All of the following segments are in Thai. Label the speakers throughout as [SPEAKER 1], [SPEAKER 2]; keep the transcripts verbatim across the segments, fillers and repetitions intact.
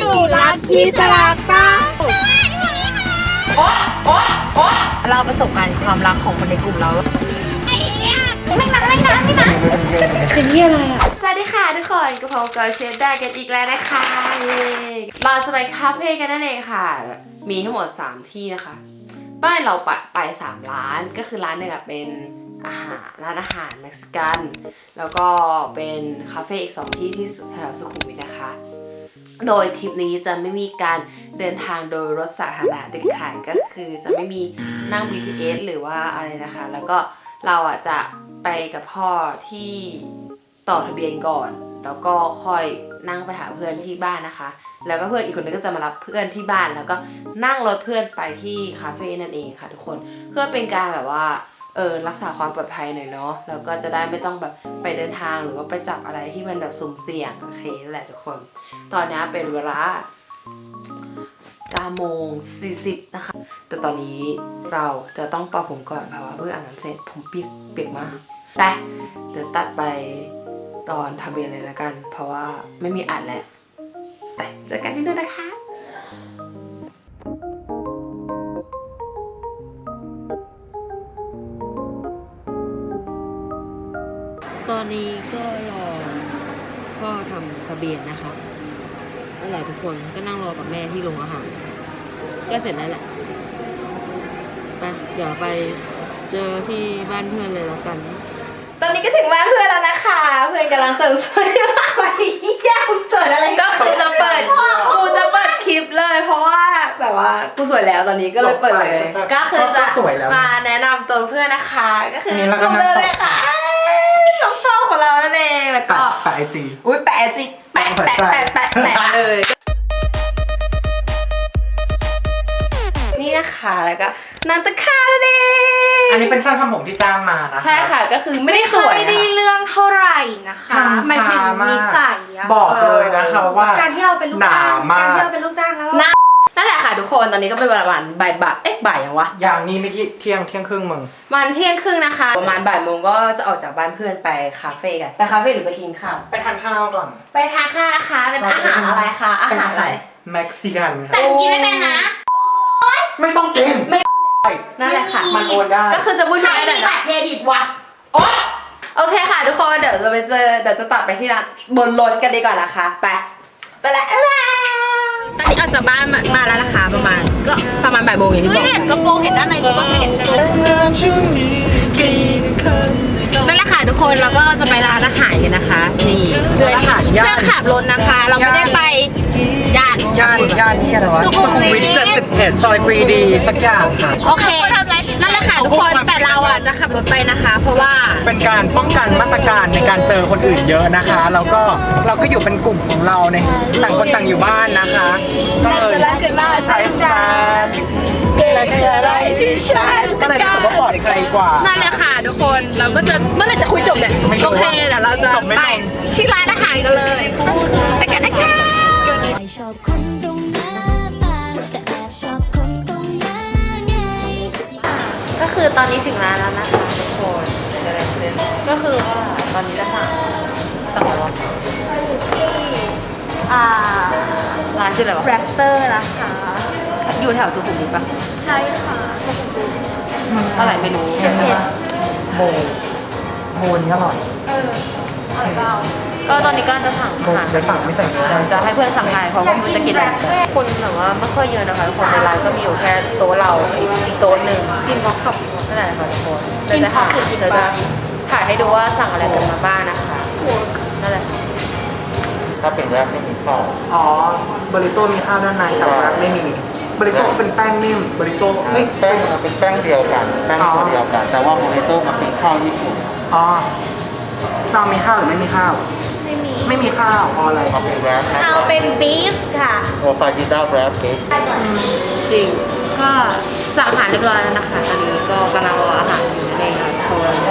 [SPEAKER 1] รักพี่สลากป้า
[SPEAKER 2] เราประสบการณ์ความรักของคนในกลุ่มเราไม่นานไม่นานไม่นานเป็นที่อะไรอ่ะสวัสดีค่ะทุกคนกับผมกับเชฟได้กันอีกแล้วนะคะเย้เราจะไปคาเฟ่กันนั่นเองค่ะมีทั้งหมดสามที่นะคะบ้านเราไปไปสามร้านก็คือร้านหนึ่งเป็นอาหารร้านอาหารเม็กซิกันแล้วก็เป็นคาเฟ่อีกสองที่ที่แถวสุขุมวิทนะคะโดยทริปนี้จะไม่มีการเดินทางโดยรถสาธารณะเด็ดขาดก็คือจะไม่มีนั่ง บี ที เอส หรือว่าอะไรนะคะแล้วก็เราอ่ะจะไปกับพ่อที่ต่อทะเบียนก่อนแล้วก็ค่อยนั่งไปหาเพื่อนที่บ้านนะคะแล้วก็เพื่อนอีกคนนึงก็จะมารับเพื่อนที่บ้านแล้วก็นั่งรถเพื่อนไปที่คาเฟ่นั่นเองค่ะทุกคนเพื่อเป็นการแบบว่าเออรักษาความปลอดภัยหน่อยเนาะแล้วก็จะได้ไม่ต้องแบบไปเดินทางหรือว่าไปจับอะไรที่มันแบบสุ่มเสี่ยงโอเคนั่นแหละทุกคนตอนนี้เป็นเวลาเก้าโมงสี่สิบนะคะแต่ตอนนี้เราจะต้องเป่าผมก่อนเพราะว่าเพิ่งอาบน้ำเสร็จผมเปียกเปียกมากแต่เดี๋ยวตัดไปตอนทะเบียนเลยละกันเพราะว่าไม่มีอัดแล้วไปเจอกันที่นู่นนะคะตอนนี้ก็รอพ่อทำทะเบียนนะคะนั่นแหละทุกคนก็นั่งรอกับแม่ที่โรงอาหารก็เสร็จแล้วแหละไปเดี๋ยวไปเจอที่บ้านเพื่อนเลยแล้วกันตอนนี้ก็ถึงบ้านเพื่อนแล้วนะคะเพื่อนกำลังเสิร์ฟสวยมากวันนี้ยากเปิดอะไรก็คือจะเปิดกูจะเปิดคลิปเลยเพราะว่าแบบว่ากูสวยแล้วตอนนี้ก็เลยเปิดเลยก็คือจะมาแนะนำตัวเพื่อนนะคะก็คือกูเลยค่ะน้องชอบของเรานั่นเองแล้วก็
[SPEAKER 3] แปะไอจี
[SPEAKER 2] อุ้ยแปะไอจีแปะแปะแปะแปะแปะเลยนี่นะคะแล้วก็นันตคานั่นเอง
[SPEAKER 3] อันนี้เป็นช่างทำผมที่จ้างมานะคะ
[SPEAKER 2] ใช่ค่ะก็คือไม่ได้สวย
[SPEAKER 1] ไม่ได้เรื่องเท่าไหร่นะคะหมายถึงนิสัยอะ
[SPEAKER 3] บอกเลยนะคะว่า
[SPEAKER 1] การที่เราเป็นลูกจ้างการที่เราเป็นลูกจ้างแล้ว
[SPEAKER 2] นั่นแหละค่ะทุกคนตอนนี้ก็เป็นประมาณบ่ายบ่ายเอ๊ะบ่ายยังวะ
[SPEAKER 3] อย่างนี้ไม่เที่ยงเที่ยงครึ่งมึง
[SPEAKER 2] วันเที่ยงครึ่งนะคะประมาณบ่ายโมงก็จะออกจากบ้านเพื่อนไปคาเฟ่กันไปคาเฟ่หรือไปกินข้าว
[SPEAKER 3] ไปทานข้าวก่อน
[SPEAKER 2] ไปทานข้าวนะคะเป็นอาหารอะไรคะอาหารอะไร
[SPEAKER 3] เม็กซิกัน
[SPEAKER 1] แต่กินไม่เป็นนะ
[SPEAKER 3] ไม่ต้องกิน
[SPEAKER 2] ไม่นั่นแหละค่ะ
[SPEAKER 3] มันโอนได้
[SPEAKER 2] ก็คือจะพูดง่ายๆนะ
[SPEAKER 1] เครดิตวะ
[SPEAKER 2] โอเคค่ะทุกคนเดี๋ยวจะไปเจอเดี๋ยวจะตัดไปที่ร้านบนรถกันดีกว่านะคะไปไปแล้วตอนนี้ออกจากบ้านมาแล้วนะคะประมาณก็ประมาณบ่ายโมงอย่างที่บอก
[SPEAKER 1] เห็นกระโปรงเห็นด้านในกูบ้างไม่เห็นใช่ไหม
[SPEAKER 2] นั่นแหละค่ะทุกคนเราก็จะไปร้านอาหารกันนะคะนี่เพื่อเพื่อขับรถนะคะเราไม่ได้ไปย่าน
[SPEAKER 3] ย่านย่านที่อะไรวะสุขุมวิทเจ็ดสิบเอ็ดซอยปรีดีสักอย่างค่ะ
[SPEAKER 2] โอเคนั่นแหละค่ะทุกคนแต่เราอ่ะจะขับรถไปนะคะเพราะว่า
[SPEAKER 3] เป็นการป้องกันมาตรการในการเจอคนอื่นเยอะนะคะแล้วก็เราก็อยู่เป็นกลุ่มของเราในต่างคนต่างอยู่บ้านนะคะ
[SPEAKER 2] ก็เลย
[SPEAKER 3] ใช้การอะไรอะไรที่ฉันก็เลยรู้สึกว่าปลอดภัยกว่า
[SPEAKER 2] นั่นแหละค่ะทุกคนเราก็จะเมื่อไหร่จะคุยจบเนี่ยโอเคเดี๋ยวเราจะไปที่ร้านอาหารกันเลยไปกันนะคะ
[SPEAKER 4] ชอบคนตรงหน้าตาแต่แอบชอบคนตรงหน้าไง
[SPEAKER 2] ก็คือตอนนี้ถึงร้านแล้วนะคะทุกคนอะไรขึ้นก็คือว่าตอนนี้จะสั่งสั่งอะไรวะที่อ่าร้านชื่ออะไรวะ
[SPEAKER 1] แรปเตอร์นะคะ
[SPEAKER 2] อยู่แถวสุขุมวิทปะ
[SPEAKER 1] ใช่ค่ะ
[SPEAKER 2] อะไรไม่รู้
[SPEAKER 3] โมโมนี่อร่อย
[SPEAKER 1] เอออร่อยเปล่า
[SPEAKER 2] ก็ตอนนี้ก็จะสั่งอาหาร
[SPEAKER 3] จะสั่งไม่สั่ง
[SPEAKER 2] จะให้เพื่อนสั่งไทยเพราะว่ามันจะกินอะไรคนแบบว่าไม่ค่อยเยอะนะคะคนในร้านก็มีอยู่แค่โต๊ะเราอีกโต๊ะหนึ่ง
[SPEAKER 1] กินบ็อกขับ
[SPEAKER 2] นั่นแหละค่ะทุกคนเราจะถ่ายเราจะถ่ายให้ดูว่าสั่งอะไรกันมาบ้างนะคะนั่นแหละ
[SPEAKER 3] ถ้าเป็นแรปไม่มีข้าวอ๋อบริโต้มีข้าวด้านในแต่แรปไม่มีบริโต้เป็นแป้งนิ่มบริโต้
[SPEAKER 5] ไม่แป้งเป็นแป้งเดียวกันแป้งตัวเดียวกันแต่ว่าบริโต้มันเป็นข้าวญี่ปุ่น
[SPEAKER 3] อ๋อเรามีข้าวหรือไม่มีข้าว
[SPEAKER 1] ไม่มี
[SPEAKER 3] ไม่มีข้าวเอาอะไร
[SPEAKER 5] เอาเป็นแรป
[SPEAKER 1] เอาเป็นบีฟค่ะ
[SPEAKER 5] โอฟาจิต้าแรปเค้ก
[SPEAKER 2] จริงก็สั่งอาหารเรียบร้อยแล้วนะคะตอนนี้ก็กำลังรออาหารอยู่นั่นเองค่ะโซน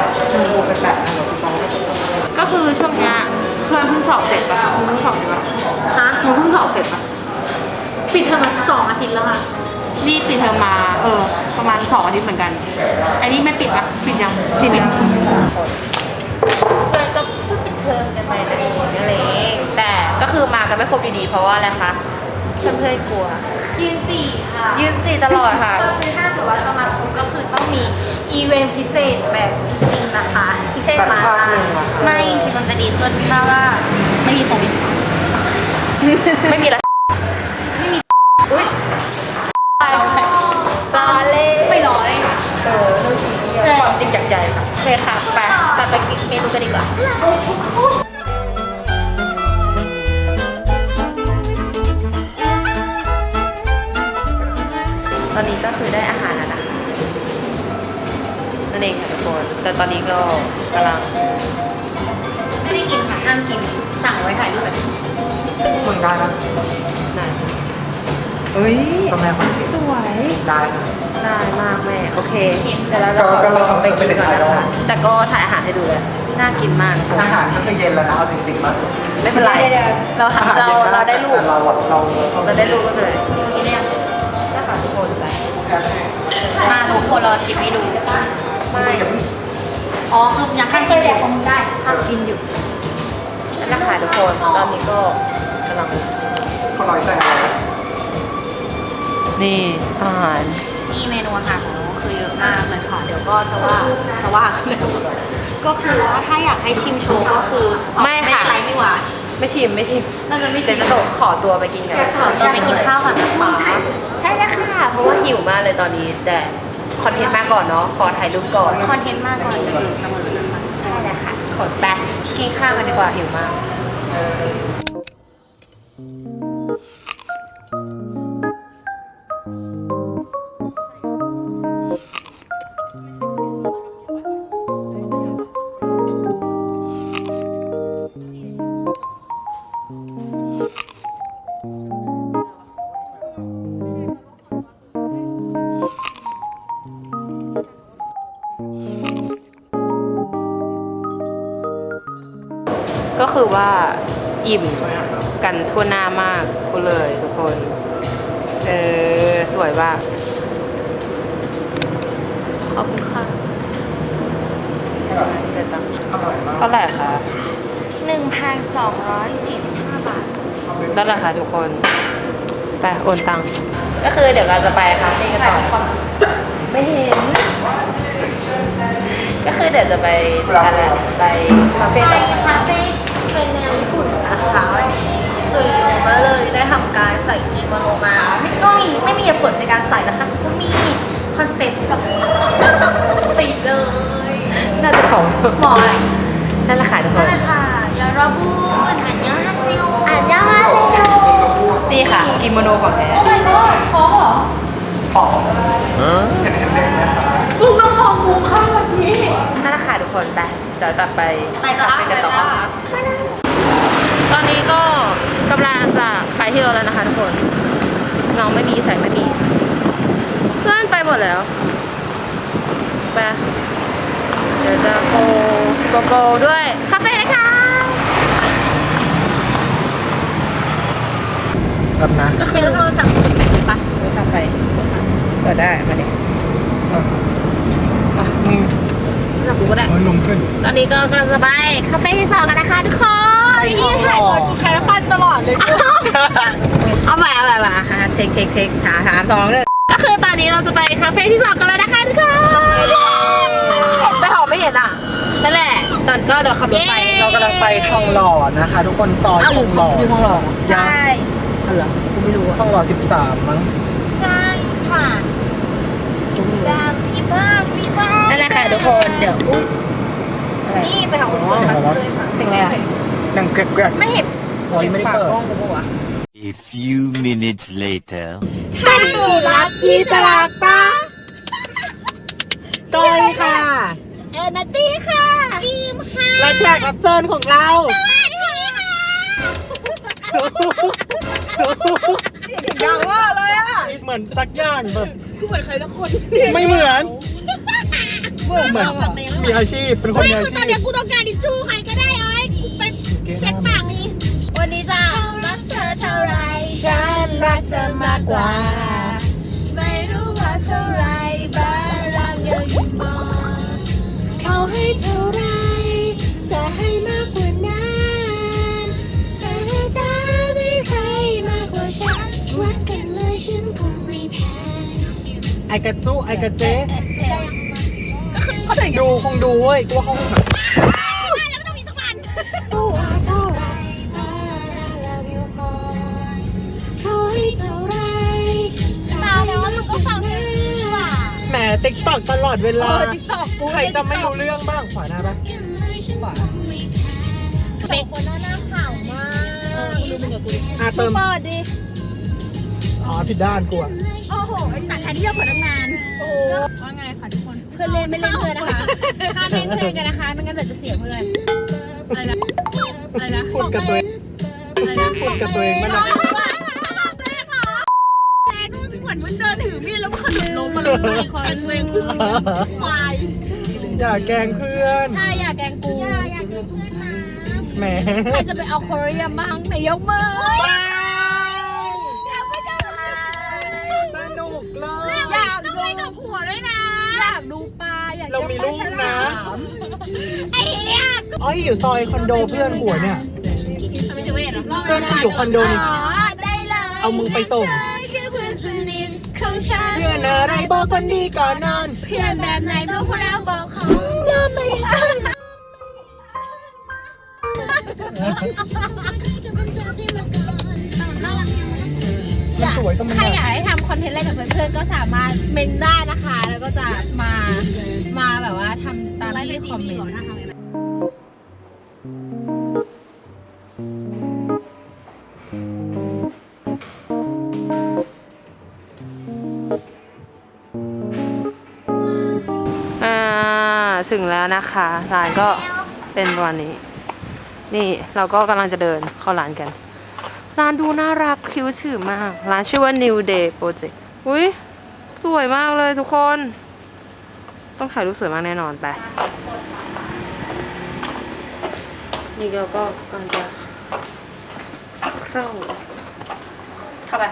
[SPEAKER 2] ก็คือช่วงนี้เพื่อนเพิ่งสอบเสร็จป่ะเพิ่งสอบเสร็จป่ะฮะเพิ่งสอบเสร็จป่ะ
[SPEAKER 1] ปิดเทอมมาสองอาทิตย์แล้วค่ะ
[SPEAKER 2] นี่ปิดเทอมมาเออประมาณสองอาทิตย์เหมือนกันอันนี้ไม่ปิดป่ะปิดยังปิดยังเพื่อนก็เพิ่งปิดเทอมกันไปนั่นเองนั่นเองแต่ก็คือมากันไม่ครบดีๆเพราะว่าอะไรคะเพื่อนๆกลัว
[SPEAKER 1] ยืนสี่ค่ะ
[SPEAKER 2] ยืนสี่ตลอดค่ะ
[SPEAKER 1] คือถ้าเกิดว่าจะมาครบก็คือต้องมีอีเวนต์พิเศษแบบจริงๆนะคะพิเศษมาไม่ที่มันจะดีขึ้นถ้าว่าไม่มีโควิด
[SPEAKER 2] ไม่มีอะไรไม่มีอุ้ยตายตาเล่ไม่ร้อยเออลูกชิ้นความจริงจากใจค่ะโอเคค่ะไปตัดไปกินเมนูกันดีกว่าตอนนี้ก็คือได้อาหารแล้วนะคะนั่นเองค่ะทุกคนแต่ตอนนี้ก็กำลังไม่ได้กินค่ะห้ามกินสั่งไว้ถ่ายรูปแบบ
[SPEAKER 3] มึงได้นะ
[SPEAKER 2] ไหนเฮ้ย
[SPEAKER 3] ทำไมคนกิน
[SPEAKER 2] สวย
[SPEAKER 3] ได้นะ
[SPEAKER 2] ได้มากแม่โอเคเดี๋ยวเราจะขอตัวไปกินก่อนนะคะแต่ก็ถ่ายอาหารให้ดูเลยน่ากินมาก
[SPEAKER 3] อาหารก็คือเย็นแล้วนะเอาจริงๆมั้ย
[SPEAKER 2] ไม่เป็นไรเรา
[SPEAKER 3] อาหาร
[SPEAKER 2] เรา
[SPEAKER 3] เย็น
[SPEAKER 2] เราได้รูป
[SPEAKER 3] แต่เราอะเรา
[SPEAKER 2] เราได้รูปก็เลยกินเนี่ยได้ค่ะทุกคนไปมาทุกคนรอชิมให้ดูไม่อ๋อคือยังขั้นกินอยู่ได้ขั้นกินอยู่นั่นแหละค่ะทุกคนตอนนี้ก็กำลัง
[SPEAKER 3] เขาลอยใส่อะไร
[SPEAKER 2] นี่อาหาร
[SPEAKER 1] นี่เมนูอาหารของเราคือเยอะมากเลยค่ะเดี๋ยวก็จะว่าจะว่าก็คือว่าถ้าอยากให้ชิมโชว์ก็คือ
[SPEAKER 2] ไม่ค่ะ
[SPEAKER 1] ไรนี่หว่า
[SPEAKER 2] ไม่ชิมไม่ชิม
[SPEAKER 1] น่าจะไม่
[SPEAKER 2] เดี๋
[SPEAKER 1] ชิ
[SPEAKER 2] ยว
[SPEAKER 1] ม
[SPEAKER 2] จะโดดขอตัวไปกินกัน
[SPEAKER 1] ขอตัวไปกินข้าวก่อนนะคะ
[SPEAKER 2] ใช่แล้วค่ะเพราะว่าหิวมากเลยตอนนี้แต่คอนเทนต์มาก่อนเนาะขอถ่ายรูปก่อน
[SPEAKER 1] คอนเทนต์มากก่อนจะอยู่เสมอนะคะ
[SPEAKER 2] ใช่แล้วค่ะขนไปกินข้าวกันดีกว่าหิวมากก็คือว่าอิ่มกันทั่วหน้ามากกูเลยทุกคนเออสวยมากขอบคุณค่ะเดี๋ยวตังค์
[SPEAKER 3] อร่อยมาก
[SPEAKER 2] เท่าไหร่คะ
[SPEAKER 1] หนึ่งพันสองร้อยสี่สิบห้าบาท
[SPEAKER 2] นั่นแหละค่ะทุกคนไปโอนตังค์ก็คือเดี๋ยวเราจะไปคาเฟ่กันต่อไม่เห็น ก็คือเดี๋ยวจะไปอะไรไปคาเฟ่
[SPEAKER 1] ไป
[SPEAKER 2] ต่อ
[SPEAKER 1] คาเฟ่เป็นแนวญี่ปุ่นนะคะวันนี้ส่วนโยก็เลยได้ทำการใส่กิโมโนมาไม่ก็มีไม่มีเหตุผลในการใส่นะคะก็มีคอนเซ็ปต์กับติดเลย
[SPEAKER 2] น่าจะของ
[SPEAKER 1] หมอย
[SPEAKER 2] นั่นแหละค่ะทุกค
[SPEAKER 1] นั่น
[SPEAKER 2] น
[SPEAKER 1] แหละค่ะยาราบูนอันยาฮาซิโออันยาฮาซิโอ
[SPEAKER 2] นี่ค่ะกิโมโนของแท้
[SPEAKER 1] โอ้ my god ขอเหรอ
[SPEAKER 3] ของเห็นเห็นเด็กนะคะ
[SPEAKER 1] ลูกน้องของหมูข้าวแบบนี้
[SPEAKER 2] นั่นแหละค่ะทุกคนไปเดี๋ยวตัดไป
[SPEAKER 1] ไปจ้า
[SPEAKER 2] คาเฟ่
[SPEAKER 1] ไป
[SPEAKER 2] กันต่อ
[SPEAKER 1] จ้า
[SPEAKER 2] ตอนนี้ก็กำลังจะไปที่รถแล้วนะคะทุกคนเงาไม่มีแสงไม่มีเพื่อนไปหมดแล้วไปเดี๋ยวจะโกโกโกด้วยคาเฟ่นะคะ
[SPEAKER 3] แบบนะ
[SPEAKER 1] ก็คือโทรศัพท์ปะ
[SPEAKER 2] โทรศัพท์ไปเปิดได้มาดิ
[SPEAKER 3] อ่ะมึง
[SPEAKER 2] โทรศัพท์กูก็ได้
[SPEAKER 3] มันลงขึ้น
[SPEAKER 2] ตอนนี้ก็กำลังจะไปคาเฟ่ที่สองกันนะคะทุกคน
[SPEAKER 3] นี่ถ่ายก่อนกูแค่ปั้นตลอดเลย
[SPEAKER 2] เอาไปเอาไปเอาไปฮะเทคเทคเทคถามถามสองเลยก็คือตอนนี้เราจะไปคาเฟ่ที่สองกันแล้วนะคะทุกคนแต่หอมไม่เห็นอ่ะนั่นแหละตอนก็เดี๋ยวขับรถไป
[SPEAKER 3] เรากำลังไปทองหล่อนะคะ ทุกคนซอยทองหล่อ
[SPEAKER 2] อยู่ทองหล่อ
[SPEAKER 3] ใช่
[SPEAKER 2] อ๋อเหรอกูไม่รู้
[SPEAKER 3] ทองหล่อสิบสามมั้ง
[SPEAKER 1] ใช่ค่ะแบบพี่บ้างพี่บ้าง
[SPEAKER 2] นั่นแหละค่ะทุกคนเดี๋ยวอุ๊ยอะไร
[SPEAKER 1] นี่แต่ของ
[SPEAKER 3] เสียงอะไรวะ
[SPEAKER 2] เสียงอะไรอ่ะ
[SPEAKER 3] ดังแกรกๆ
[SPEAKER 1] ไม่เห็น
[SPEAKER 3] โอ้ยไม่ได้
[SPEAKER 2] ฝาก
[SPEAKER 3] เปิด
[SPEAKER 2] กล้องกูปะวะ
[SPEAKER 6] A few minutes later.
[SPEAKER 1] ถ้าหนูรักพี่จะรักป้า
[SPEAKER 3] ก้อยค่ะ
[SPEAKER 1] เออนัตตี้ค่ะบีมค่ะ
[SPEAKER 3] และแขกรับเชิญของเรา
[SPEAKER 1] อย่างว่าเลยอ่ะ
[SPEAKER 3] เหมือนสักอย่างแบบ
[SPEAKER 1] กูเหมือนใครสักคน
[SPEAKER 3] ไม่เหมือน เหมือนมีอาชีพเป็นคนมีอาชี
[SPEAKER 1] ตอน
[SPEAKER 3] พ
[SPEAKER 1] เนี้ยกูต้องการทิชชู่ใครก็ได้เอ้ยไปเช็ดปากนี่วันนี้จ้ารักเธอเท่าไรฉันรักเธอมากกว่า ไม่รู้ว่าเท่าไรบ้างรักยังอยู่มองเขาให้เท่าไรจะให้มากกว่านั้นเธอจะไม่ใครมากกว่าฉัน
[SPEAKER 3] ไอกระจุไอกระเจ๊
[SPEAKER 1] ก็คือคนอื่น
[SPEAKER 3] ดูคงดูเว้ยกูว่าเขาคงแบบ
[SPEAKER 1] ว่าแล้วมันต้องมีสักวัน เราแล้วว่ามึงก็ฟังเพลงนี้ว่ะ
[SPEAKER 3] แหมติ๊กตอกตลอดเวลา
[SPEAKER 1] ติ๊กต็อกกู
[SPEAKER 3] ใครจะไม่รู้เรื่องบ้างขวาหน้าปะ
[SPEAKER 1] สองคนหน้าหน้าข่าวมากดูมึงกับกูดิ
[SPEAKER 3] อ่ะเติม
[SPEAKER 1] เปิดดิ
[SPEAKER 3] อ๋อผิดด้านกูอะ
[SPEAKER 1] โอ้โหแต่แทนที่จะเปิดตั้งนานโอ้ว่าไงคะทุกคนเพื่อนเล่นไม่เล่นเพื่อนนะคะห้ามเล่นเพื่อนกันนะคะไม่งั้นเดี๋ยวจะเสียเพื่อนอะไรนะอะไรนะ
[SPEAKER 3] พูดกับตัวเอง
[SPEAKER 1] อะไรนะ
[SPEAKER 3] พูดกับตัวเองมันอะ
[SPEAKER 1] แต่นู่นเหมือนมันเดินถือมีดแล้วมันขนมลงมาลงมาคอยช่วยควาย
[SPEAKER 3] อย่าแกล้งเพื่อน
[SPEAKER 1] ใช่อย่าแกล้งกูอย่าอย่าแกล้งเพื่อนนะ
[SPEAKER 3] แหม
[SPEAKER 1] ใครจะไปเอาโคเรียบ้างไหนยกมืออยากไปเจอเลย
[SPEAKER 3] สนุกเลย
[SPEAKER 1] อยากดูกับผัวด้วยนะ อยากดูปลาอยาก
[SPEAKER 3] เรามีลูกนะ
[SPEAKER 1] ไอ้เหี้ย
[SPEAKER 3] อ๋ออยู่ซอยคอนโดเพื่อนหัวเนี่ย
[SPEAKER 1] ไม่จะเวทหรอ
[SPEAKER 3] เพื่อนกูอยู่คอนโดนี่
[SPEAKER 1] ได้เลย
[SPEAKER 3] เอามึงไปส่ง
[SPEAKER 1] คือเพื่อนสนิทของฉัน
[SPEAKER 3] เพื่อนอะไรบอกคนดีก่อนนอน
[SPEAKER 1] เพื่อนแบบไหนบอกพวกเราบอกของเราไม่ได้
[SPEAKER 3] สวยต้องมัน
[SPEAKER 1] ใครอยากให้ทำคอนเทนต์อะไรกับเพื่อนๆก็สามารถเมนได้นะคะ แล้วก็จะมามาแบบว่าทำตามที่คอมเมนต์
[SPEAKER 2] อ่าถึงแล้วนะคะร้านก็เป็นวันนี้ นี่เราก็กำลังจะเดินเข้าร้านกัน ร้านดูน่ารักคิ้วชื่อมาก ร้านชื่อว่า New Day Project อุ้ยสวยมากเลยทุกคน ต้องถ่ายรูปสวยมากแน่นอนไป นี่เราก็กำลังจะเข้าเข้าไป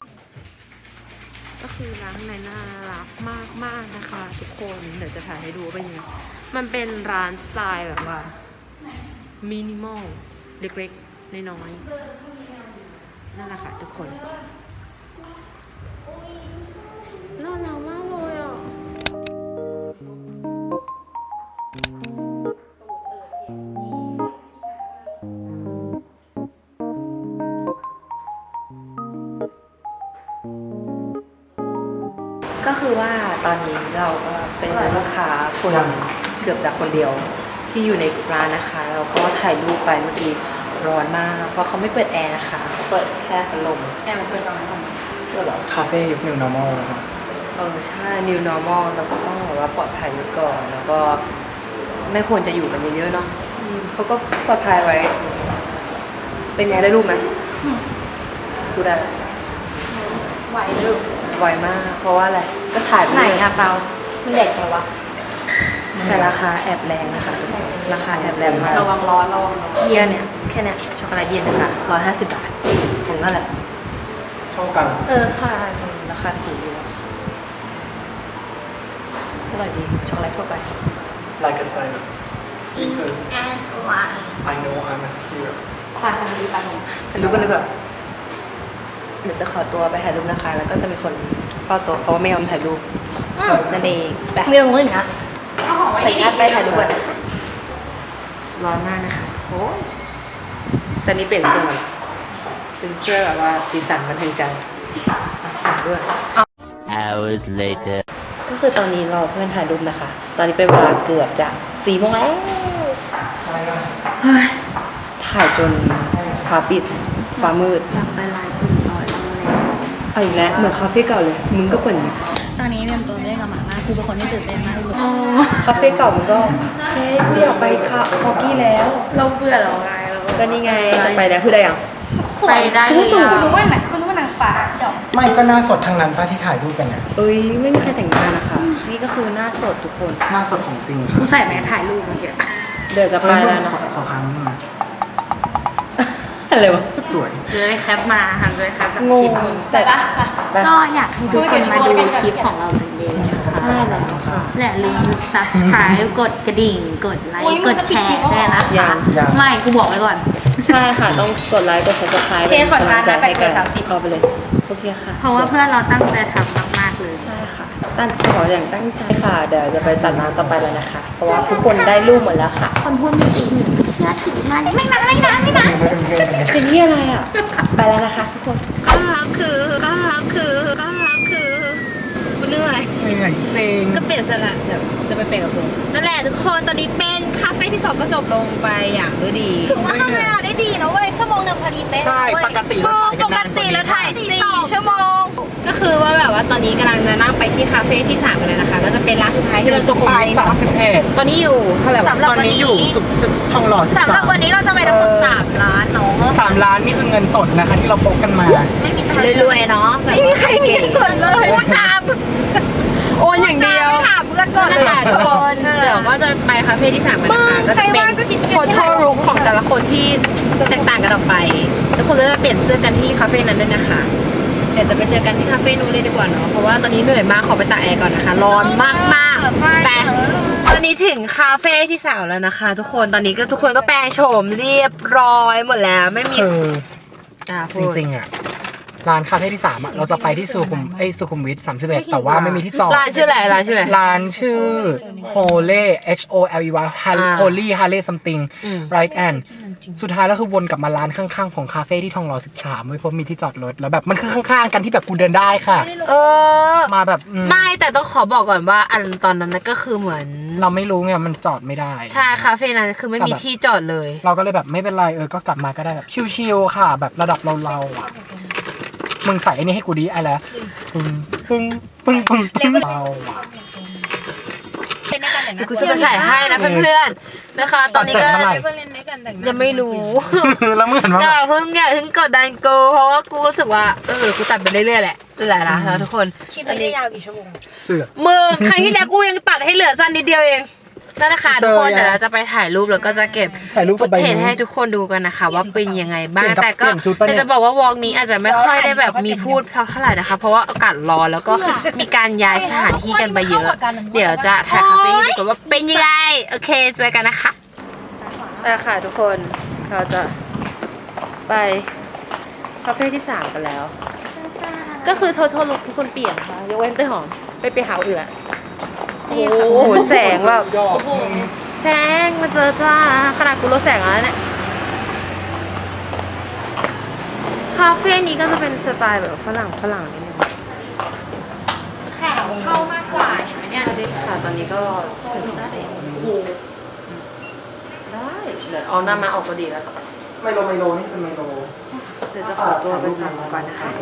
[SPEAKER 2] ก็คือร้านข้างในน่ารักมากมากๆนะคะทุกคนเดี๋ยวจะถ่ายให้ดูว่าเป็นยังไงมันเป็นร้านสไตล์แบบว่ามินิมอลเล็กๆน้อยๆนั่นแหละค่ะทุกคนน่ารักมากเลยอ่ะก็คือว่าตอนนี้เราก็เป็นลูกค้าคนเกือบจะคนเดียวที่อยู่ในร้านนะคะเราก็ถ่ายรูปไปเมื่อกี้ร้อนมากเพราะเขาไม่เปิดแอร์นะคะเปิดแค่พัดลมแอร์มันเปิดตอนไหนเปิดหรอ
[SPEAKER 3] คาเฟ่ยุค New Normal นะครับ
[SPEAKER 2] เออใช่ New Normal เราก็ต้องแบบว่าปลอดภัยไว้ก่อนแล้วก็ไม่ควรจะอยู่กันเยอะๆเนาะอืมเขาก็ปลอดภัยไว้ เป็นไงได้รูปไหมดูได้ไหวลูกไวมาก เพราะว่าอะไร ก็ถ่ายไป
[SPEAKER 1] ไหนอะเปามันใหญ่จังวะ
[SPEAKER 2] แต่ราคาแอบแรงนะคะทุกคนราคาแอบแรงมาก
[SPEAKER 1] ระวังร้อนระวังร้อน
[SPEAKER 2] เยียเนี่ย แค่เนี้ยช็อกโกแลตเย็นนะคะร้อยห้าสิบบาทของนั่นแหละ
[SPEAKER 3] เท่ากัน
[SPEAKER 2] เออค่ะราคาสูงอยู่อร่อยดี ช็อกโกแลตทั่วไป
[SPEAKER 3] like a syrup because I know I'm a syrup
[SPEAKER 2] ถ่ายทำดีป่ะถ่ายรูปกันเลยแบบเดี๋ยวจะขอตัวไปถ่ายรูปนะคะ แล้วก็จะมีคนเฝ้าโต๊ะเพราะว่าไม่ยอมถ่ายรูปนั่นเองแต่
[SPEAKER 1] มีตรงนู้นอีกนะ
[SPEAKER 2] ขออนุญาตไปถ่ายรูปก่อนนะคะร้อนมากนะคะโอ้ตอนนี้เปลี่ยนเสื้อมาเป็นเสื้อแบบว่าสีสันบันเทิงใจอ่ะด้วย
[SPEAKER 6] Hours later.
[SPEAKER 2] ก็คือตอนนี้รอเพื่อนถ่ายรูปนะคะ ตอนนี้เป็นเวลาเกือบจะสี่โมงแล้วเฮ้ยถ่ายจนฟ้าปิดฟ้ามืดอยากไปร้านอื่นต่อแล้วเอาอีกแล้วเหมือนคาเฟ่เก่าเลย มึงก็เปิดอย่างนี้
[SPEAKER 1] ตอนนี้เตรียมตัวเล่นกับหมามากคือเป็นคนที่ตื่นเต้นมากที่สุด
[SPEAKER 2] คาเฟ่เก่ามันก็เชฟไม่อยากไปคาคอกี้แล้ว
[SPEAKER 1] เราเบื่อเราไงเรา
[SPEAKER 2] ก็นี่ไงจะไปแล้วคือได้ยัง
[SPEAKER 1] ไปได้เลยคุณรู้ว่าไหนคุณรู้ว่านางฟ้าเดี๋ยว
[SPEAKER 3] ไม่ก็หน้าสดทางนั้นป้าที่ถ่ายรูปกันเนี่ย
[SPEAKER 2] เอ้ยไม่มีใครแต่งหน้านะคะ นี่ก็คือหน้าสดทุกคน
[SPEAKER 3] หน้าสดของจริงค่ะ
[SPEAKER 1] กูใส่แมสถ่ายรูปเมื่อกี้
[SPEAKER 2] เดินจะไปแล้วนะ
[SPEAKER 3] ขอขอครั้งหนึงนะ
[SPEAKER 2] อะไรวะ
[SPEAKER 3] สวย
[SPEAKER 1] เลยแคปมาหันเลยแคปจาก
[SPEAKER 2] ง
[SPEAKER 1] คลิ
[SPEAKER 2] ง
[SPEAKER 1] ป
[SPEAKER 2] แต่ก็
[SPEAKER 1] ก็อยากให้ทุกคนมาดูคลิปของเราเหมือนเดิมนะคะ
[SPEAKER 2] ใช่แล้วค่ะ
[SPEAKER 1] และลืม subscribe กดกระดิ่ง กดไลค์ กดแชร์ได้วยนะ
[SPEAKER 2] ยั
[SPEAKER 1] คะ
[SPEAKER 2] ง
[SPEAKER 3] ยัง
[SPEAKER 1] ไม่ กูบอกไว้ก่อน
[SPEAKER 2] ใช่ค่ะ ต้องกดไลค์ กด subscribe
[SPEAKER 1] เชฟขอทานนะ
[SPEAKER 2] เป็กำลังใจให้
[SPEAKER 1] แปดเกินสามสิบ
[SPEAKER 2] เข้าไปเลย โอเคค่ะ
[SPEAKER 1] เพราะว่าเพื่อนเราตั้งใจทำมากๆ
[SPEAKER 2] เลยใช่ค่ะตั้งขออย่างตั้งใจค่ะเดี๋ยวจะไปตัดน้ำต่อไปแล้วนะคะเพราะว่าทุกคนได้รูปหมดแล้วค่ะคนพูดไม่จริงเชื่อถือมันไม่นะไม่นะไม่นะเป็นที่อะไรอ่ะไปแล้วนะคะทุกคนก็คือก็คือก็คือกูเหนื่อย
[SPEAKER 3] เหนื่อยจริง
[SPEAKER 2] ก็เปลี่ยนสละเดี๋ยวจะไปเปลี่ยนกับผมนั่นแหละทุกคนตอนนี้เป็นคาเฟ่ที่สองก็จบลงไปอย่างด้วยดี
[SPEAKER 1] ถือว่าทำเวลาได้ดีนะเว้ยชั่วโมงหนึ่งพอดีเป๊ะ
[SPEAKER 3] ใช่ปกติเราถ่าย
[SPEAKER 2] ป
[SPEAKER 3] กัน
[SPEAKER 2] ก
[SPEAKER 3] นาน
[SPEAKER 2] ติแล้วถ่ายสี่ชั่วโมงก็คือว่าแบบว่าตอนนี้กำลังจะนั่งไปที่คาเฟ่ที่สามกันเลยนะคะก็จะเป็นร้านสุดท้ายที่เรา
[SPEAKER 3] สุ
[SPEAKER 2] จะ
[SPEAKER 3] ขุม
[SPEAKER 2] ไป
[SPEAKER 3] วิทสามสิบเอ็ด
[SPEAKER 2] ตอนนี้อยู่เท่าไหร่วะ
[SPEAKER 1] สำหรับ
[SPEAKER 3] ตอน
[SPEAKER 1] วัน
[SPEAKER 3] นี้
[SPEAKER 1] นี้
[SPEAKER 3] อยู่สุขสุขทองหล่อสิบ
[SPEAKER 1] สำห
[SPEAKER 3] สา
[SPEAKER 1] รับ
[SPEAKER 3] ม
[SPEAKER 1] วันนี้เราจะไปทั้งหมดสามล้านเนาะ
[SPEAKER 3] สามล้านนี่คือเงินสดนะคะที่เราพกกันมา
[SPEAKER 1] ไม่มี
[SPEAKER 2] รวยๆเนาะไม่มีใครเก่ง
[SPEAKER 1] ส่วนเลยพูดจาม
[SPEAKER 2] โอนอย่างเดียว
[SPEAKER 1] ไม่ถามเพื่อนก่อน
[SPEAKER 2] นั่นแหละทุกคนเดี๋ยวก็จะไปคาเฟ่ที่สามกันนะคะก็จะเป็นโฟโต้รูมของแต่ละคนที่แตกต่างกันออกไปทุกคนก็จะเปลี่ยนเสื้อกันที่คาเฟ่นั้นด้วยนะคะเดี๋ยวจะไปเจอกันที่คาเฟ่นู้นเลยดีกว่าเนาะเพราะว่าตอนนี้เหนื่อยมากขอไปตากแอร์ก่อนนะคะร้อนมากมากๆแต่ตอนนี้ถึงคาเฟ่ที่สามแล้วนะคะ ทุกคนตอนนี้ก็ทุกคนก็แปลงโฉมเรียบร้อยหมดแล้วไม่มี
[SPEAKER 3] คือ
[SPEAKER 2] อ่า
[SPEAKER 3] จริงๆอ่ะร้านคาเฟ่ที่สามอ่ะเราจะไปที่สุขุมไอ้ยสุขุมวิทสามสิบเอ็ดแต่ว่าไม่มีที่จอด
[SPEAKER 2] ร้านชื่ออะไรร้านชื่ออะไร
[SPEAKER 3] ร้านชื่อ Holy H O L E Y
[SPEAKER 2] อ่า
[SPEAKER 3] Holy Harley something
[SPEAKER 2] อืม
[SPEAKER 3] right and สุดท้ายแล้วคือวนกลับมาร้านข้างๆของคาเฟ่ที่ทองหล่อสิบสามไม่พบมีที่จอดรถแล้วแบบมันคือข้างๆกันที่แบบกูเดินได้ค่ะ
[SPEAKER 2] เออ
[SPEAKER 3] มาแบบอืม
[SPEAKER 2] ไม่แต่ต้องขอบอกก่อนว่าอันตอนนั้นนะก็คือเหมือน
[SPEAKER 3] เราไม่รู้ไงมันจอดไม่ได้
[SPEAKER 2] ใช่คาเฟ่นั้นคือไม่มีที่จอดเลย
[SPEAKER 3] เราก็เลยแบบไม่เป็นไรเออก็กลับมาก็ได้แบบชิลๆค่ะ แบบระดับเราๆอ่ะมึงใส่ไอ้นี่ให้กูดีไอ้แล้วปึ้งปึ้งปึ้งปึ้งปึ้งเราอ่ะ
[SPEAKER 2] เดี๋ยวกูจะไปถ่ายให้นะเพื่อนๆนะคะ ตอนนี้ก็
[SPEAKER 3] ตัดเสร็จเมื่อไหร่
[SPEAKER 2] ยังไม่รู้
[SPEAKER 3] แล้วมึงเห็นว่า
[SPEAKER 2] อย่าเพิ่งอย่าเพิ่งกดดันกูเพราะว่ากูรู้สึกว่าเออกูตัดไปเรื่อยๆแหละนั่นแหละนะทุกคน
[SPEAKER 1] คลิปนี้ได้ยาวกี่ชั่วโมง
[SPEAKER 3] เสือก
[SPEAKER 2] มึงครั้งที่แล้วกูยังตัดให้เหลือสั้นนิดเดียวเองนั่นแหละค่ะทุกคนเดี๋ยวเราจะไปถ่ายรูปแล้วก็จะเก็บ
[SPEAKER 3] ถ่ายรูป
[SPEAKER 2] ฟุ
[SPEAKER 3] กับ
[SPEAKER 2] ต
[SPEAKER 3] ใบ
[SPEAKER 2] เทจ
[SPEAKER 3] นี้
[SPEAKER 2] ให้ทุกคนดูกันนะคะว่าเป็นยังไงบ้าง
[SPEAKER 3] เปลี่ยนกับ
[SPEAKER 2] แต่ก็
[SPEAKER 3] เปลี่ยนชุดปะเนี่ย
[SPEAKER 2] แต่จะบอกว่าวอล์กนี้อาจจะไม่ค่อยได้แบบมีพูดเท่าไหร่นะคะเพราะว่าอากาศร้อนแล้วก็มีการย้ายสถานที่กันไปเยอะ เดี๋ยวจะถ่ายคาเฟ่ให้ดูกันว่าเป็นยังไงโอเคเจอกันนะคะไปค่ะทุกคนเราจะไปคาเฟ่ที่สามกันแล้ว ก็คือโทษลุกทุกคนเปลี่ยนค่ะยกเว้นเต้ยหอมไปเปลี่ยนหาอื่นละนี่ค่ะโอ้โหแสงแบบ
[SPEAKER 3] ยอด
[SPEAKER 2] แสงมาเจอจ้าขนาดกูลดแสงแล้วเนี่ยคาเฟ่นี้ก็จะเป็นสไตล์แบบฝรั่งฝรั่งนิดนึง
[SPEAKER 1] ข่าวเข้ามากกว่าเห็นไหมเนี่ย
[SPEAKER 2] สวัสดีค่ะตอนนี้ก็ถึงแล้วได้เดี๋ยวเอาหน้ามาออกก็ดีแล้วค่ะ
[SPEAKER 3] ไมโลไมโลนี่เป็นไมโล
[SPEAKER 2] เดี๋ยวจะขอตัวไปสั่งก่อนนะคะ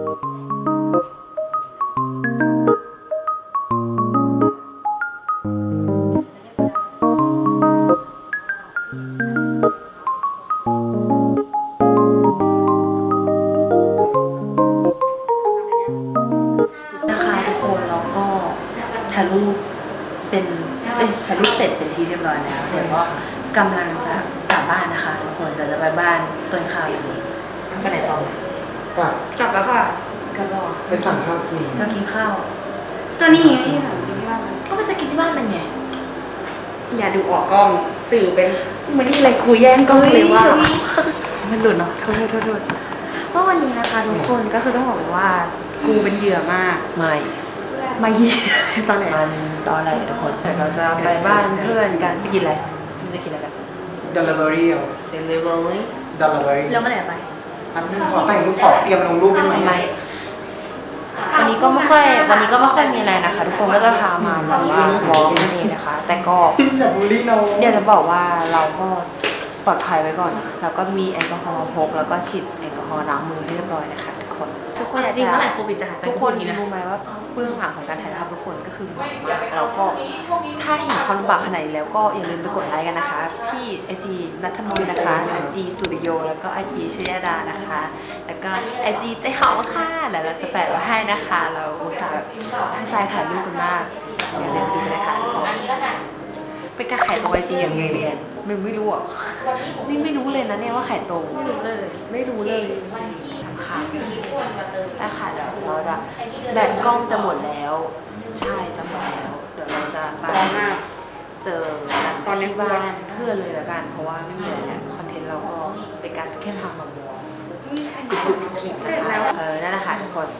[SPEAKER 2] นะคะทุกคนแล้วก็ถ่ายรูปเป็นเอ้ยถ่ายรูปเสร็จเป็นที่เรียบร้อยแล้วเดี๋ยวก็กำลังจะกลับบ้านนะคะทุกคนเดี๋ยวจะไปบ้านต้นข้าวอย่างนี้ไปไหนต่อ
[SPEAKER 3] กลับ
[SPEAKER 2] กลับแล้วค่ะกลับแล้ว
[SPEAKER 3] ไปสั่งข้าวกิน
[SPEAKER 2] เรากินข้าว
[SPEAKER 1] ก็นี่ไงที่ถามที่บ้าน
[SPEAKER 2] ก็ไปจะกินที่บ้านมันไง
[SPEAKER 1] อย่าดูออกกล้องสื่อเป็นมันนี่อะไรคุยแย่งกล้องเลยว่า
[SPEAKER 2] มันหลุดเนาะ
[SPEAKER 1] โทษโทษโทษเพราะวันนี้นะคะทุกคนก็คือต้องบอกเลยว่ากูเป็นเหยื่อมาก
[SPEAKER 2] ไม่
[SPEAKER 1] มาเหยียตอนไหน
[SPEAKER 2] มันตอนอะไรทุกคนเดี๋ยวเราจะไปบ้านเพื่อนกันไปกินอะไรมันจะกินอะไรกัน
[SPEAKER 3] delivery เอา
[SPEAKER 2] เดลิเวอรี่
[SPEAKER 3] delivery
[SPEAKER 1] แล้วเมื่อไหร่ไป
[SPEAKER 3] อันนึงขอแต่งรูปขอเตรียมลงรูปได้ไหม
[SPEAKER 2] ไม่วันนี้ก็ไม่ค่อยวันนี้ก็ไม่ค่อยมีอะไรนะคะ ทุกคนก็จะพามาแบบว่าวอล์กนั่นเองนะคะ แต่ก็
[SPEAKER 3] อย่าบูลลี่น้อง
[SPEAKER 2] เดี๋ยวจะบอกว่าเราก็ปลอดภัยไว้ก่อนนะแล้วก็มีแอลกอฮอล์พกแล้วก็ฉีดแอลกอฮอล์ล้างมือให้เรียบร้อยนะคะทุกคนทุกคนอยาก
[SPEAKER 1] จริง
[SPEAKER 2] จะ
[SPEAKER 1] เมื่อไหร่โควิดจะหายไป
[SPEAKER 2] ทุกคนรู้ไหมว่าเบื้องหลังของการถ่ายภาพทุกคนก็คือหนักมากเราก็ถ้าเห็นความลำบากขนาดนี้แล้วก็อย่าลืมไปกดไลค์กันนะคะ ที่ไอจีนัทมนต์นะคะไอจีสุริโยแล้วก็ไอจีชยดานะคะ แล้วก็ไอจีเต้หอมค่ะเดี๋ยวเราจะแปะไว้ให้นะคะ เราอุตส่าห์แบบตั้งใจถ่ายรูปกันมากอย่าลืมไปดูกันนะคะทุกคนเป็นการขายตรงไอจีอย่างเงี้ยมึงไม่รู้อ่ะนี่ไม่รู้เลยนะเนี่ยว่าขายตรงไม่รู้เลยไม่รู้เลยทำขายแล้วค่ะเดี๋ยวเราจะแบตกล้องจะหมดแล้วใช่จะหมดแล้วเดี๋ยวเราจะไปเจอกันที่บ้านเพื่อนเลยละกันเพราะว่าไม่มีอะไรแล้วคอนเทนต์เราก็เป็นการแค่พามามองกุ๊กกุ๊กกิ๊กนะคะเออนั่นแหละค่ะทุกคนอีก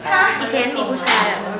[SPEAKER 2] เคสมีผู้ชายอะ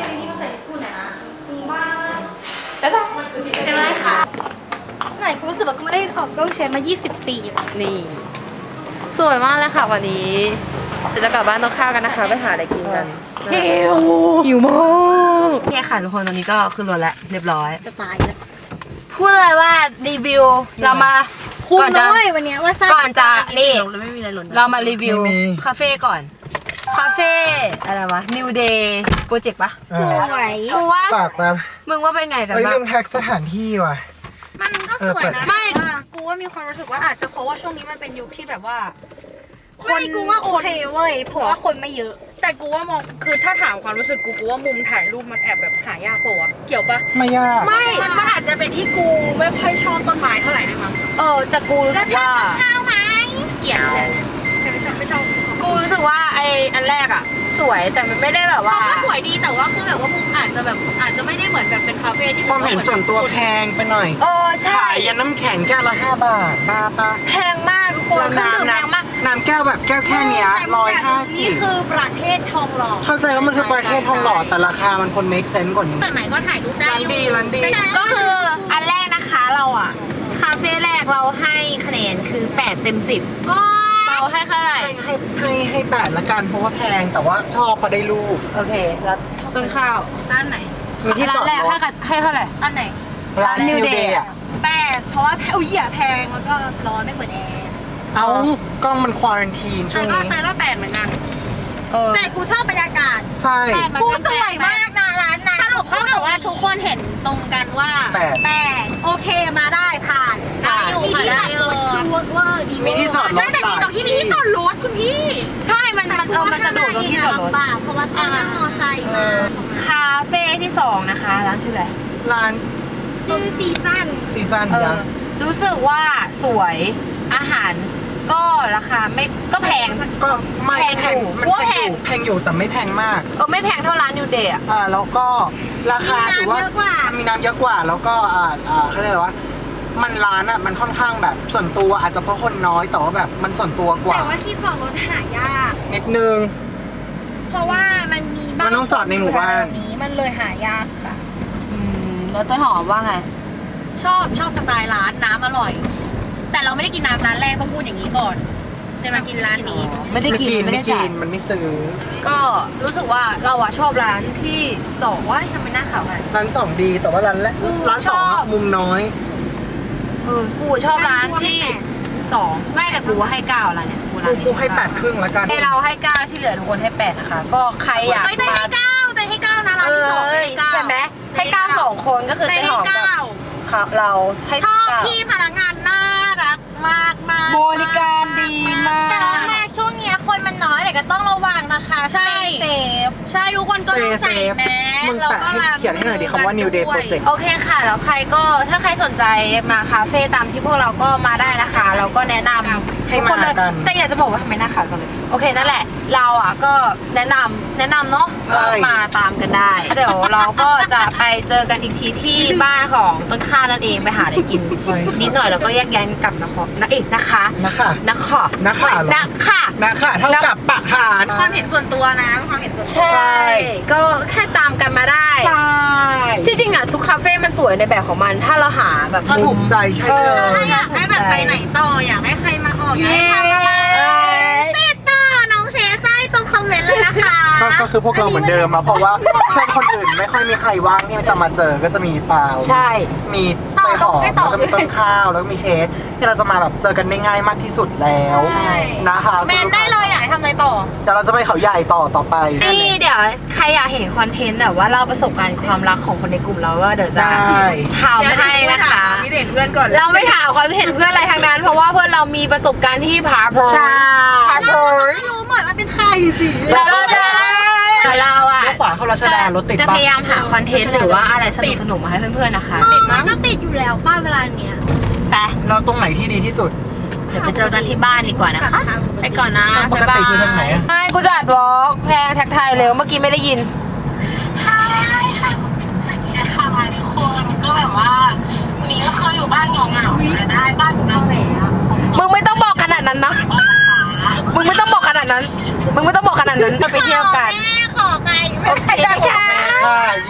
[SPEAKER 2] บ๊ายบายบ๊ายบายค่ะ
[SPEAKER 1] ไหนกูรู้สึกว่ากูไม่ได้ออกกล้องเชนมา ยี่สิบ ปีแล้ว
[SPEAKER 2] นี่ สวยมากเลยค่ะวันนี้เดี๋ยวจะกลับบ้านต้องข้าวกันนะคะไปหาอะไรกินกันหิวหิวมากโอเคค่ะทุกคนตอนนี้ก็ขึ้นรถแล้วเรียบร้อย
[SPEAKER 1] จะตายแล้ว
[SPEAKER 2] พูดเลยว่ารีวิวเรามา
[SPEAKER 1] คุ้ม
[SPEAKER 2] ก่อนจะ
[SPEAKER 1] ด้วยวันเนี้ยว่าสร้าง
[SPEAKER 2] ก่อนจะนี่
[SPEAKER 1] เราไม่มีอะไรหล่น
[SPEAKER 2] เรามารีวิวคาเฟ่ก่อน คาเฟ่อะไรวะ New Day Project ปะ
[SPEAKER 1] สวย
[SPEAKER 2] กูว่า
[SPEAKER 3] ปากแบบ
[SPEAKER 2] มึงว่าเป็นไงกัน
[SPEAKER 3] เอ้ย
[SPEAKER 2] บ้า
[SPEAKER 3] ลื
[SPEAKER 2] ง
[SPEAKER 3] มแท็กสถานที่ว่ะ
[SPEAKER 7] มันก็สวยนะ
[SPEAKER 2] ไม่
[SPEAKER 7] แต่ว่ากูว่ามีความรู้สึกว่าอาจจะเพราะว่าช่วงนี้มันเป็นยุคที่แบบว่า
[SPEAKER 1] ไม่กูว่าโอเคเว้ยเพราะว่าคนไม่เยอะ
[SPEAKER 7] แต่กูว่ามองคือถ้าถามความรู้สึกกูกูว่ามุมถ่ายรูปมันแอบแบบหายากกว่าเกี่ยวปะ
[SPEAKER 3] ไม่ยาก
[SPEAKER 2] ไม่
[SPEAKER 7] มันมันอาจจะเป็นที่กูไม่ค่อยชอบต้นไม้เท่าไหร่ด้วยมั้ง
[SPEAKER 2] เออแต่กูรู้สึกว่า
[SPEAKER 1] ข้าวไหม
[SPEAKER 2] เกลียดเลย
[SPEAKER 7] ไม่ชอบไม่ชอบ
[SPEAKER 2] กูรู้สึกว่าไออันแรกอะสวยแต่มันไม่ได้แบบว่า
[SPEAKER 7] ก็สวยดีแต่ว่าคือแบบว่ามุมอาจจะแบบอาจจะไม่ได้เหมือนแบบเป็นคาเฟ่ที่
[SPEAKER 3] ความเห็นส่วนตัวแพงไปหน่อย
[SPEAKER 2] เออใช่
[SPEAKER 3] ขายยันน้ำแข็งแก้วละห้าบาทบ้าปะ
[SPEAKER 2] แพงมากทุกคนเครื่องดื่มแพงมาก
[SPEAKER 3] น้ำแก้วแบบแก้วแค่เนี้ยร้อยห้าสิ
[SPEAKER 7] นี่
[SPEAKER 3] บ
[SPEAKER 7] คือประเทศทองหล่อ
[SPEAKER 3] เข้าใจว่ามันคือประเทศทองหล่อแต่ราคามันคน make sense กว่านี้
[SPEAKER 7] สมัยก็ถ่ายรูปได้
[SPEAKER 3] ร้านดีร้านดี
[SPEAKER 2] ก็คืออันแรกนะคะเราอะคาเฟ่แรกเราให้คะแนนคือแปดเต็มสิบเราให้เท่าไหร่
[SPEAKER 3] ให้ให้ให้ให้แปดละกันเพราะว่าแพงแต่ว่าชอบพอได้รูป
[SPEAKER 2] โอเคแล้วต้นข้าว
[SPEAKER 7] ด้านไหน
[SPEAKER 3] มีที่จ
[SPEAKER 2] ร้า
[SPEAKER 3] อน ด
[SPEAKER 2] แรก
[SPEAKER 3] ร
[SPEAKER 2] ให้
[SPEAKER 3] ถ
[SPEAKER 2] ค่ะให้เท่าไหร่
[SPEAKER 7] อันไหน
[SPEAKER 3] ร้าน
[SPEAKER 2] New
[SPEAKER 3] New
[SPEAKER 2] Day
[SPEAKER 3] Day
[SPEAKER 2] อะ
[SPEAKER 3] อะ
[SPEAKER 1] แปดเพราะว่าแพอุ้ยอย่าแพงแล้วก็ร้อนไม่เหมือนแอร์
[SPEAKER 3] เอากล้องมันควอรันทีนช่
[SPEAKER 7] แต่
[SPEAKER 3] วง
[SPEAKER 7] ก็
[SPEAKER 3] นี้
[SPEAKER 7] แต่ก็แปดเหมือนกัน
[SPEAKER 2] เออ
[SPEAKER 1] แต่กูชอบบรรยากาศ
[SPEAKER 3] ใช่
[SPEAKER 1] กูสวยมากนะร้านนั้น
[SPEAKER 7] สรุปเท่ากับว่าทุกคนเห็นตรงกันว่า
[SPEAKER 3] แปด
[SPEAKER 1] แปดโอเคมาได้ผ่าน
[SPEAKER 7] ได้อยู่
[SPEAKER 1] มีที่
[SPEAKER 7] ค่ะ
[SPEAKER 1] ตัด
[SPEAKER 7] ได้อยู่
[SPEAKER 1] รถคือเวอร์เวอร์ดีเวอร์
[SPEAKER 3] มีที่จอดรถ
[SPEAKER 7] ใช่แต่มีตรงที่มีที่จอดรถคุณพี่
[SPEAKER 2] ใช่มันมันเออมันสะดวกตรงที่จอดรถ
[SPEAKER 1] ลำบากเพราะว่าต้องนั่งมอไซค์มา
[SPEAKER 2] คาเฟ่ที่สองนะคะร้านชื่ออะไร
[SPEAKER 3] ร้าน
[SPEAKER 1] ชื่อซีซั่น
[SPEAKER 3] ซีซัน
[SPEAKER 2] เอ
[SPEAKER 3] ยั
[SPEAKER 2] อง รู้สึกว่าสวยอาหารก็ราคาไม่ก็แพง
[SPEAKER 3] ก็ไม่
[SPEAKER 2] แพง
[SPEAKER 3] แพ
[SPEAKER 2] อง ยู่
[SPEAKER 3] มัน
[SPEAKER 2] ว่า
[SPEAKER 3] แพ
[SPEAKER 2] แพ
[SPEAKER 3] ง
[SPEAKER 2] ง
[SPEAKER 3] อยู่แพงอยู่แต่ไม่แพงมาก
[SPEAKER 2] เออไม่แพงเท่าร้านนิวเดย์อะ
[SPEAKER 3] อ่าแล้วก็ราคา
[SPEAKER 1] มีน้ำ
[SPEAKER 3] ถือว่า
[SPEAKER 1] เยอะกว่า
[SPEAKER 3] มีน้ำเยอะกว่า แล้วก็อ่าอ่าเขาเรียกว่า มันร้านอ่ะมันค่อนข้างแบบส่วนตัวอาจจะเพราะคนน้อยแต่ว่าแบบมันส่วนตัวกว่า
[SPEAKER 1] แต่ว่าที่จอดรถหายาก
[SPEAKER 3] นิดนึง
[SPEAKER 1] เพราะว่ามันมีบ้าน
[SPEAKER 3] มันต้องจอดในหมู่บ้าน
[SPEAKER 1] อยู่แถวนี้มันเลยหายากค่ะ
[SPEAKER 2] อืมแล้วต้นหอมว่าไง
[SPEAKER 7] ชอบชอบสไตล์ร้านน้ำอร่อย แต่เราไม่ได้กินน้ำร้านแรกต้องพูดอย่างนี้ก่อนจะมากินร้านนี้
[SPEAKER 2] ไม่ได้กินไม่
[SPEAKER 3] ไม่
[SPEAKER 2] ได้
[SPEAKER 3] กิ
[SPEAKER 2] จ่าย
[SPEAKER 3] นมันไม่ซื้อ
[SPEAKER 2] ก็รู้สึกว่าเราอะชอบร้านที่สองว่าทำไมหน้าขาวขนาดนั้น
[SPEAKER 3] ร้านสองดีแต่ว่าร้านแรก
[SPEAKER 2] กู
[SPEAKER 3] ร้านสอง
[SPEAKER 2] ชอ
[SPEAKER 3] อะ
[SPEAKER 2] บ
[SPEAKER 3] มุมน้อย
[SPEAKER 2] เออกูชอบร้านที่สองไม่แต่กูให้เก้าร้านเนี่ยกูร้าน
[SPEAKER 3] กู
[SPEAKER 2] นี้
[SPEAKER 3] กูให้แปดครึ่งแล้วกัน
[SPEAKER 2] ให้เราให้เก้าที่เหลือทุกคนให้แปดนะคะ ก็ใครอยาก
[SPEAKER 7] ไม่ได้
[SPEAKER 2] มา
[SPEAKER 7] ให้เก้าแต่ให้เก้านะร้านที่สองไม่ให้เก้า
[SPEAKER 2] ใช่ไหมให้เก้าสองคนก็คือ
[SPEAKER 7] แต่
[SPEAKER 2] เจ๊
[SPEAKER 7] ให้
[SPEAKER 2] หอมกับ
[SPEAKER 7] เก้า
[SPEAKER 2] ครับเราให้
[SPEAKER 7] ชอบ
[SPEAKER 2] เก้า
[SPEAKER 7] พี่พนักงานน่ารักมากมาก
[SPEAKER 2] บริการดีมาก
[SPEAKER 1] แต่ว่าแม่ช่วงเนี้ยคนมันน้อยแต่ก็ต้องระวังนะคะ
[SPEAKER 7] ใช่
[SPEAKER 1] เซฟ
[SPEAKER 7] ใช่ทุกคนก็ต้องใส่แมส
[SPEAKER 3] มึง
[SPEAKER 7] แล้ว
[SPEAKER 3] แปะ
[SPEAKER 7] ก็
[SPEAKER 3] ให้
[SPEAKER 7] ล้าง
[SPEAKER 3] เขียนให้หน่อยดิคำว่า New Day
[SPEAKER 7] ด้วย
[SPEAKER 3] Project
[SPEAKER 2] โอเคค่ะ แล้วใครก็ถ้าใครสนใจมาคาเฟ่ตามที่พวกเราก็มาได้นะคะ เราก็แนะนำ
[SPEAKER 3] ให้
[SPEAKER 2] ทุกคนเลย
[SPEAKER 3] มากัน
[SPEAKER 2] แต่อยากจะบอกว่าทำไมหน้าขาวจังเลยโอเคนั่นแหละ เราอ่ะก็แนะนำแนะนำเนาะ
[SPEAKER 3] ใช่
[SPEAKER 2] ก็มาตามกันได้ เดี๋ยวเราก็จะไปเจอกันอีกทีที่บ้านของต้นข้าวนั่นเองไปหาอะไรกิน
[SPEAKER 3] ใช่ค่ะ
[SPEAKER 2] นิดหน่อยแล้วก็แยกย้ายกันกลับนะคะนะเอกนะคะ
[SPEAKER 3] นะคะ
[SPEAKER 2] นะคะ
[SPEAKER 3] นะคะเหรอ
[SPEAKER 2] นะคะ
[SPEAKER 3] นะคะเท่ากับปะหาร
[SPEAKER 7] ความเห็นส่วนตัวนะความเห็นส่วนตัว
[SPEAKER 2] ใช่ ก็แค่ตามกันมาได้
[SPEAKER 3] ใช่
[SPEAKER 2] ที่จริงอ่ะทุกคาเฟ่มันสวยในแบบของมัน ถ้าเราหาแบบ
[SPEAKER 3] ถ้าถูกใจใช่เล
[SPEAKER 2] เออ
[SPEAKER 3] ย
[SPEAKER 7] อยากให้แบบไปไหนต่ออยากให้ใครมาออกอยากให้ทำอะไร
[SPEAKER 2] เย้
[SPEAKER 7] ติดต่อน้องเชไส้ตรงคอมเมนต์เลยนะคะ
[SPEAKER 3] ก็ก็คือพวกเราเหมือนเดิมอะเพราะว่าเพื่อนคนอื่นไม่ค่อยมีใครว่างที่จะมาเจอก็จะมีเปล่า
[SPEAKER 2] ใช่
[SPEAKER 3] มีไปหอมแล้วก็มีต้นข้าวแล้วก็มีเชฟที่เราจะมาแบบเจอกันได้ง่ายมากที่สุดแล้ว
[SPEAKER 2] ใช่
[SPEAKER 3] นะคะ
[SPEAKER 7] แมนได้เลยอยากให้ทำอะไรต่อ
[SPEAKER 3] เดี๋ยวเราจะไปเขาใหญ่ต่อต่อไป
[SPEAKER 2] นี่เดี๋ยวใครอยากเห็นคอนเทนต์แบบว่าเล่าประสบการณ์ความรักของคนในกลุ่มเราก็เดี๋ยวจะ
[SPEAKER 3] ได้
[SPEAKER 2] ทำให้นะคะ
[SPEAKER 7] นี่เด่นเพื่อนก่อน
[SPEAKER 2] เราไม่ถามความเห็นเพื่อนอะไรทั้งนั้น เพราะว่าเพื่อนเรามีประสบการณ์ที่ผาโผน
[SPEAKER 3] ใช่
[SPEAKER 2] ผาโผน
[SPEAKER 1] ไม่รู้หมดว่าเป็นใครสิ
[SPEAKER 2] แล้วก็จะเราอ่ะ
[SPEAKER 3] เลี้ยวขวาเข้ารัชดารถติด
[SPEAKER 2] จะ
[SPEAKER 3] ปะ
[SPEAKER 2] พยายามหาคอนเทนต์หรือว่าอะไรสนุกๆมาให้เพื่อนๆนะคะ
[SPEAKER 1] มันก็ติดอยู่แล้วป้าเวลาเนี้ย
[SPEAKER 2] ไป
[SPEAKER 3] เราตรงไหนที่ดีที่สุด
[SPEAKER 2] เดี๋ยวไปเจอกันที่บ้านดีกว่านะคะ ไปก่อนนะ
[SPEAKER 3] ปกติคือทางไหนอะ
[SPEAKER 2] ไม่กูจะอัดวอล์กแพงแท็กไทยเร็วเมื่อกี้ไม่ได้ยิน
[SPEAKER 8] สวัสดีนะคะทุกคนก็แบบว่าวันนี้ก็คืออยู่บ้านเหงาๆอยู่ได้บ้านอยู่นั่นแหละ
[SPEAKER 2] มึงไม่ต้องบอกขนาดนั้นนะมึงไม่ต้องบอกขนาดนั้น มึงไม่ต้องบอกขนาดนั้นไปเที่ยวกัน
[SPEAKER 7] แม่ขอไก่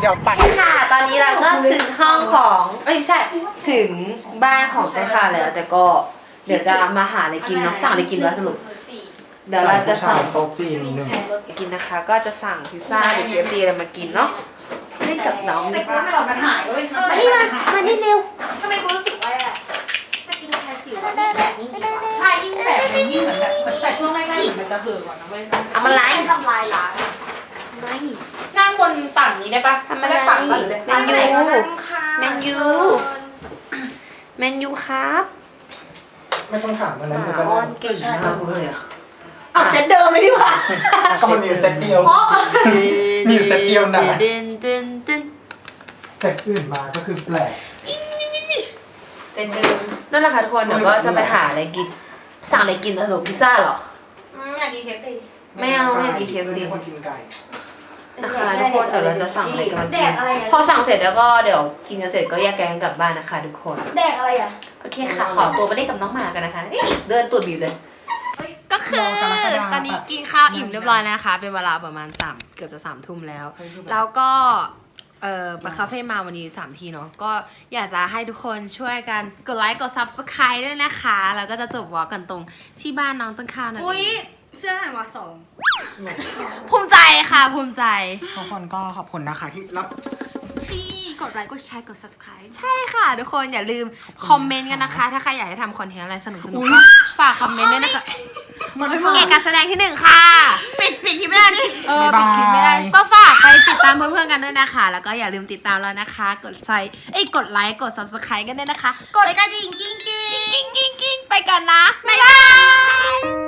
[SPEAKER 3] เดี๋ยวปั่น
[SPEAKER 2] ค่ะ ตอนนี้เราก็ถึงห้องของเอ้ยไม่ใช่ถึงบ้านของต้นข้าวแล้ว แต่ก็เดี๋ยวจะมาหาอะไรกินเนาะสั่งอะไรกินวะสรุปเดี๋ยวเราจะสั่ง
[SPEAKER 3] โต๊ะจีนหนึ่ง
[SPEAKER 2] กินนะคะ ก็จะสั่งพิซซ่าหรือเคฟซีอะไรมากินเนาะเล่นกับน้อง
[SPEAKER 7] แต่กูไม่หลอกมันหายด้วย
[SPEAKER 2] มานี่มามานี่เร็ว
[SPEAKER 7] ทำไมกูรู้สึกว่าจะกินแคสิวยิ่งแสบยิ่งดีใช่ยิ่งแสบมันยิ่งเหมือนแบบแต่ช่วงแรกๆเหมือนมันจะเหือก่อนนะเว้ย
[SPEAKER 2] เอามาไล่
[SPEAKER 7] ทำลายล้าง
[SPEAKER 2] ไม่
[SPEAKER 7] นั่งบนต่างนี้ได้ปะ
[SPEAKER 2] ทำอะไร
[SPEAKER 7] ด้ต่างกันเลย
[SPEAKER 2] แมนยูแมนยูแมนยูครับ
[SPEAKER 3] ไม่ต้องถามวันนั้นมัน
[SPEAKER 2] ห
[SPEAKER 3] ก็
[SPEAKER 2] มาอ้อนเก่งมากเลยอะ
[SPEAKER 7] เอาเซตเดิมเลยดีกว่า
[SPEAKER 3] ก็มันมีอยู่เซตเดียว มีอยู่เซตเดียวนะ
[SPEAKER 2] เดินเดินเดิน
[SPEAKER 3] เซตอื่นมาก็คือแปลก
[SPEAKER 2] เส้นเดิมนั่นแหละค่ะทุกคนเดี๋ยวก็จะไปหาอะไรกินสั่งอะไรกินสรุปพิซซ่าเหรอ
[SPEAKER 7] อยากกินเคฟซี
[SPEAKER 2] ไม่เอาไม่อยากกินเคฟซี
[SPEAKER 3] คนกินไก่
[SPEAKER 2] นะคะทุกคนเดี๋ยวเราจะสั่งอะไรกันมากินพอสั่งเสร็จแล้วก็เดี๋ยวกินกันเสร็จก็แยกย้ายกันกลับบ้านนะคะทุกคน
[SPEAKER 7] แดกอะไรอ่ะ
[SPEAKER 2] โอเคค่ะขอตัวไปเล่นกับน้องหมากันนะคะนี่เดินตัวบิวเลยก็คือตอนนี้กินข้าวอิ่มเรียบร้อยแล้วนะคะเป็นเวลาประมาณสามเกือบจะสามทุ่มแล้ว แล้วก็เอ่อไปคาเฟ่มาวันนี้สามทีเนาะก็อยากจะให้ทุกคนช่วยกันกดไลค์กด ซับสไครบ์ ด้วยนะคะแล้วก็จะจบวอล์กกันตรงที่บ้านน้องต้นข้าวนั่นเอง
[SPEAKER 7] อุ้ยเสื้อหมาสอง
[SPEAKER 2] ภูมิใจค่ะภูมิใจ
[SPEAKER 3] ทุกคนก็ขอบคุณนะคะที่รับ
[SPEAKER 7] ที่กดไลค์กดแชร์กด ซับสไครบ์
[SPEAKER 2] ใช่ค่ะทุกคนอย่าลืมคอมเมนต์กันนะคะ ถ้าใครอยากให้ทำคอนเทนต์อะไรสนุกสนุกฝากคอมเมนต์ด้วยนะคะเอกการแสดงที่หนึ่งค่ะ
[SPEAKER 7] ปิดปิดที่ไม่ได้ดิ
[SPEAKER 2] เออปิดคลิปไม่ได้ก็ฝากไปติดตามเพื่อนๆกันด้วยนะคะ แล้วก็อย่าลืมติดตามเรานะคะ กดไลค์เอ้ยกดไลค์กด ซับสไครบ์ กันด้วยนะคะ
[SPEAKER 7] กดกระดิ่งกิ้งกิ้ง
[SPEAKER 2] กิ้งกิ้งกิ้งไปกันนะบ๊ายบาย